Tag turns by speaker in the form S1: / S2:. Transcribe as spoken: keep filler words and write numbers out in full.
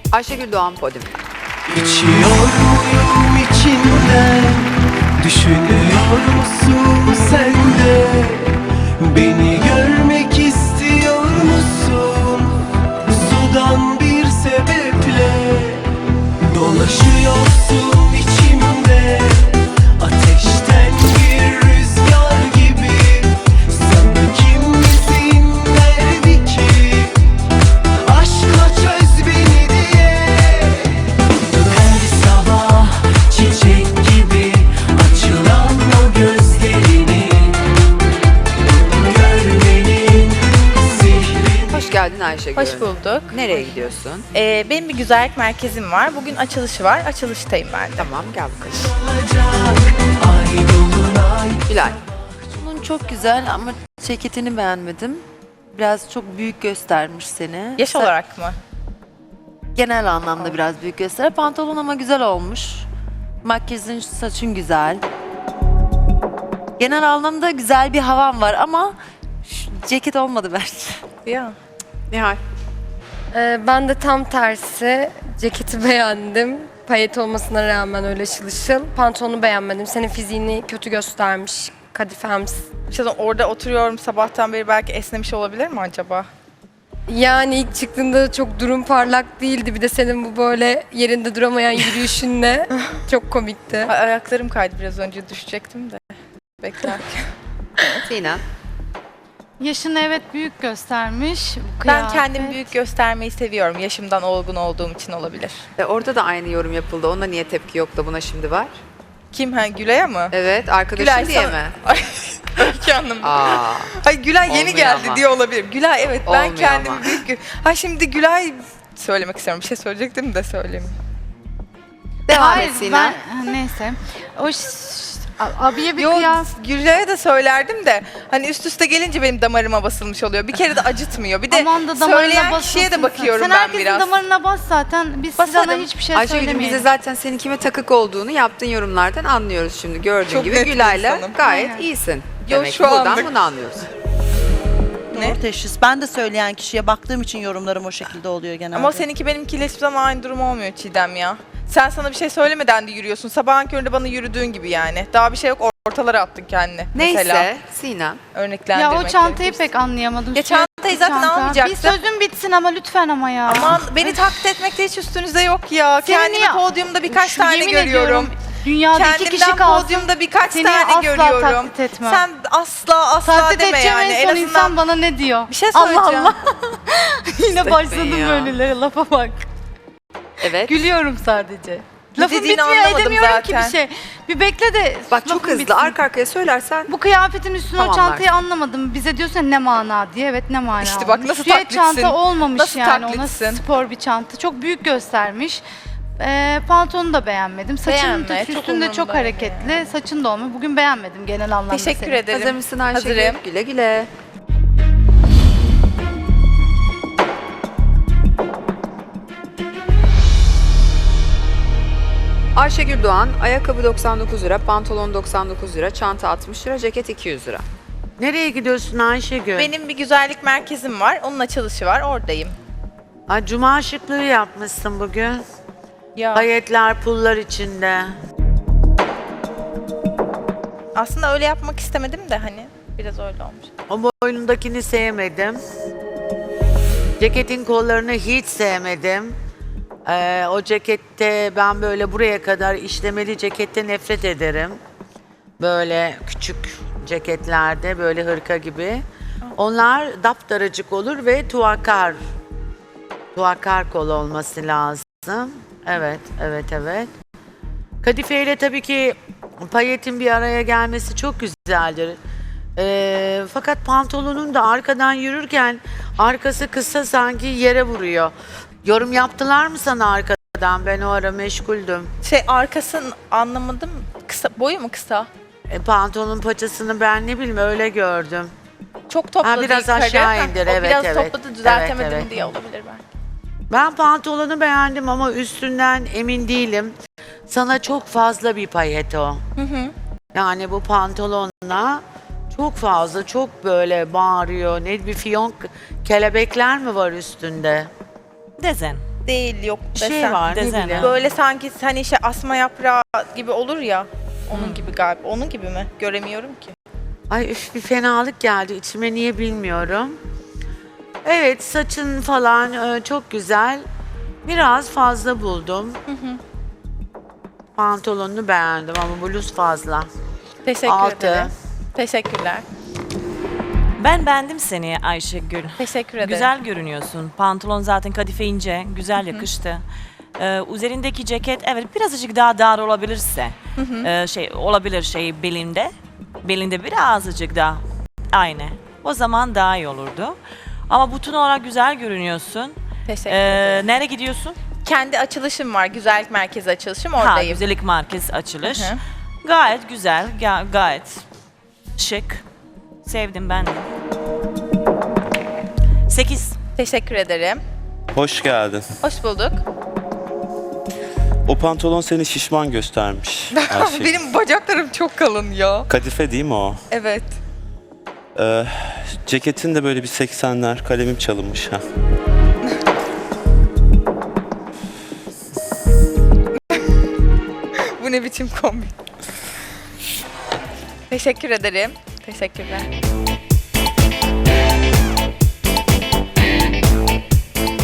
S1: Ayşegül Doğan podyum.
S2: İçiyor muyum içinden? Düşünüyor musun sen de? Beni görmek istiyor musun? Sudan bir sebeple dolaşıyorsun içimde. Ateşten bir rüzgar gibi. Sana kim izin verdi ki aşkla çöz beni diye? Her sabah çiçek gibi açılan o gözlerini görmenin sihri.
S1: Hoş geldin Ayşegül.
S3: Hoş bulduk.
S1: Nereye gidiyorsun?
S3: Ee, benim bir güzellik merkezim var. Bugün açılışı var. Açılıştayım ben de.
S1: Tamam gel bakalım.
S2: Ay dolunay.
S1: Gülay.
S4: Bunun çok güzel ama ceketini beğenmedim. Biraz çok büyük göstermiş seni.
S3: Yaş
S4: Sa-
S3: olarak mı?
S4: Genel anlamda biraz büyük göster. Pantolon ama güzel olmuş. Makyajın, saçın güzel. Genel anlamda güzel bir havan var ama şu ceket olmadı bence.
S3: Ya.
S1: Nihal.
S5: Ee, ben de tam tersi ceketi beğendim. Payet olmasına rağmen öyle ışıl ışıl. Pantolonu beğenmedim. Senin fiziğini kötü göstermiş. Kadifems.
S3: İşte orada oturuyorum sabahtan beri, belki esnemiş olabilir mi acaba?
S5: Yani ilk çıktığında çok durum parlak değildi. Bir de senin bu böyle yerinde duramayan yürüyüşünle çok komikti.
S3: Ay, ayaklarım kaydı biraz önce, düşecektim de. Beklerken.
S1: Sinem.
S6: Yaşını evet büyük göstermiş. Bu
S3: Ben
S6: kıyafet.
S3: kendimi büyük göstermeyi seviyorum. Yaşımdan olgun olduğum için olabilir.
S1: E, orada da aynı yorum yapıldı. Onda niye tepki yok da buna şimdi var?
S3: Kim? Ha, Gülay'a mı?
S1: Evet arkadaşın
S3: Gülay
S1: diye
S3: sana-
S1: mi?
S3: Ay, Öykü Hanım.
S1: Aa.
S3: Ay Gülay yeni
S1: Olmuyor
S3: geldi
S1: ama.
S3: diye olabilir. Gülay evet, ben
S1: Olmuyor
S3: kendimi
S1: ama.
S3: büyük... gö- Ha şimdi Gülay söylemek istiyorum. Bir şey söyleyecektim de söyleyeyim.
S1: Devam
S6: Hayır,
S1: et Sinem.
S6: ben ha, neyse. O ş- a- abiye bir
S3: Yo,
S6: kıyas.
S3: Gülay'a da söylerdim de hani üst üste gelince benim damarıma basılmış oluyor. Bir kere de acıtmıyor. Bir de
S6: Aman da damarına
S3: söyleyen kişiye de
S6: basılsın
S3: bakıyorum
S6: sen.
S3: ben
S6: Sen herkesin
S3: biraz.
S6: damarına bas zaten. Biz
S3: Basarım.
S6: sana hiçbir şey
S1: Ayşegül'üm
S6: söylemeyelim.
S1: bize zaten senin kime takık olduğunu yaptığın yorumlardan anlıyoruz şimdi. Gördüğün
S3: Çok
S1: gibi
S3: net bir
S1: Gülay'la
S3: insanım.
S1: gayet
S6: Aynen.
S1: iyisin.
S3: Yo,
S1: Demek
S3: şu
S1: ki buradan
S3: anlık-
S1: bunu anlıyoruz.
S3: Ne?
S7: Doğru teşhis. Ben de söyleyen kişiye baktığım için yorumlarım o şekilde oluyor genelde.
S3: Ama seninki benimkiyle hiçbir zaman aynı durum olmuyor Çiğdem ya. Sen sana bir şey söylemeden de yürüyorsun. Sabahın köründe bana yürüdüğün gibi yani. Daha bir şey yok, ortalara attın kendini. Mesela
S1: Neyse Sinem.
S3: örneklendirmek
S6: Ya o çantayı
S3: gerekirse.
S6: pek anlayamadım.
S3: Ya
S6: Sürekli
S3: çantayı zaten
S6: çanta.
S3: almayacaktım.
S6: Bir sözün bitsin ama lütfen ama ya.
S3: Aman beni taklit etmekte hiç üstünüzde yok ya.
S6: Seni
S3: Kendimi
S6: niye-
S3: podyumda birkaç
S6: Şu
S3: tane
S6: yemin
S3: görüyorum.
S6: ediyorum, dünyada iki
S3: Kendimden
S6: kişi kalsın.
S3: podyumda birkaç
S6: seni
S3: tane
S6: asla
S3: görüyorum.
S6: taklit etmem.
S3: Sen asla asla
S6: taklit
S3: deme
S6: edeceğim
S3: yani.
S6: en son
S3: azından
S6: insan bana ne diyor?
S3: bir şey
S6: Allah
S3: söyleyeceğim.
S6: Allah. Yine başladım
S1: ya.
S6: böylelere, lafa bak.
S1: Evet.
S6: Gülüyorum sadece.
S3: Ne
S6: Lafım
S3: dediğini
S6: bitmiyor,
S3: anlamadım
S6: edemiyorum
S3: zaten.
S6: ki bir şey. Bir bekle de
S1: Bak çok
S6: lafım
S1: hızlı
S6: bitsin.
S1: arka arkaya söylersen
S6: Bu kıyafetin üstüne o
S1: Tamamlarsın.
S6: çantayı anlamadım. Bize diyorsan ne mana diye. Evet ne mana
S3: İşte bak
S6: olmuş.
S3: nasıl
S6: Süet
S3: taklitsin?
S6: çanta olmamış
S3: Nasıl
S6: yani. Ona
S3: taklitsin?
S6: spor bir çanta. Çok büyük göstermiş. Ee, pantolonu da beğenmedim. Saçın
S3: Beğenme,
S6: da
S3: çok
S6: üstünde çok
S3: umurumda
S6: hareketli.
S3: yani.
S6: Saçın da olmuyor. Bugün beğenmedim genel anlamda
S3: Teşekkür
S6: seni.
S3: ederim.
S1: hazır mısın Ayşegül?
S3: Hazırım.
S1: Güle güle. Ayşegül Doğan, ayakkabı doksan dokuz lira, pantolon doksan dokuz lira, çanta altmış lira, ceket iki yüz lira.
S8: Nereye gidiyorsun Ayşegül?
S3: Benim bir güzellik merkezim var. Onun açılışı var. Oradayım.
S8: Ay, cuma şıklığı yapmışsın bugün.
S3: Ya
S8: Ayetler, pullar içinde.
S3: aslında öyle yapmak istemedim de hani biraz öyle olmuş.
S8: O boynundakini sevmedim. Ceketin kollarını hiç sevmedim. Ee, o cekette ben böyle buraya kadar işlemeli cekette nefret ederim. Böyle küçük ceketlerde böyle hırka gibi. Onlar daptaracık olur ve tuakar. Tuakar kol olması lazım. Evet, evet, evet. Kadife ile tabii ki payetin bir araya gelmesi çok güzeldir. Ee, fakat pantolonun da arkadan yürürken arkası kısa sanki yere vuruyor. Yorum yaptılar mı sana arkadan? Ben o ara meşguldüm.
S3: Şey arkasını anlamadım. Kısa, boyu mu kısa?
S8: E, pantolonun paçasını ben ne bileyim öyle gördüm.
S3: Çok topladı
S8: Ha, biraz
S3: yukarı.
S8: aşağı
S3: Ha,
S8: indir,
S3: o
S8: evet,
S3: biraz
S8: evet.
S3: topladı, düzeltemedim
S8: Evet, evet.
S3: diye olabilir belki.
S8: Ben pantolonu beğendim ama üstünden emin değilim. Sana çok fazla bir payet o. Yani bu pantolonla çok fazla, çok böyle bağırıyor. Ne bir fiyonk kelebekler mi var üstünde?
S9: Dezen.
S3: değil, yok
S8: Bir şey
S3: desen.
S8: var ne
S9: Desen,
S8: bileyim.
S9: ha.
S3: Böyle sanki hani şey asma yaprağı gibi olur ya. Onun gibi galiba. Onun gibi mi? Göremiyorum ki.
S8: Ay üf bir fenalık geldi içime niye bilmiyorum. Evet saçın falan e, çok güzel. Biraz fazla buldum. Pantolonunu beğendim ama bluz fazla.
S3: Teşekkür
S8: Altı.
S3: ederim. Teşekkürler.
S9: Ben beğendim seni Ayşegül.
S3: Teşekkür ederim.
S9: Güzel görünüyorsun. Pantolon zaten kadife ince, güzel yakıştı. Ee, üzerindeki ceket evet birazcık daha dar olabilirse, e, şey olabilir şey belinde, belinde birazcık daha aynı. O zaman daha iyi olurdu. Ama bütün olarak güzel görünüyorsun.
S3: Teşekkür
S9: Ee,
S3: ederim.
S9: nereye gidiyorsun?
S3: Kendi açılışım var. Güzellik merkezi açılışım.
S9: Ha,
S3: Oradayım.
S9: güzellik merkez açılış.
S3: Hı hı.
S9: Gayet güzel, ga- gayet şık. Sevdim ben de. Sekiz.
S3: Teşekkür ederim.
S10: Hoş geldin.
S3: Hoş bulduk.
S10: O pantolon seni şişman göstermiş Ayşe.
S3: Benim bacaklarım çok kalın ya.
S10: Kadife değil mi o?
S3: Evet.
S10: Ee, ceketin de böyle bir seksenler, kalemim çalınmış ha.
S3: Bu ne biçim kombi? Teşekkür ederim. Teşekkürler.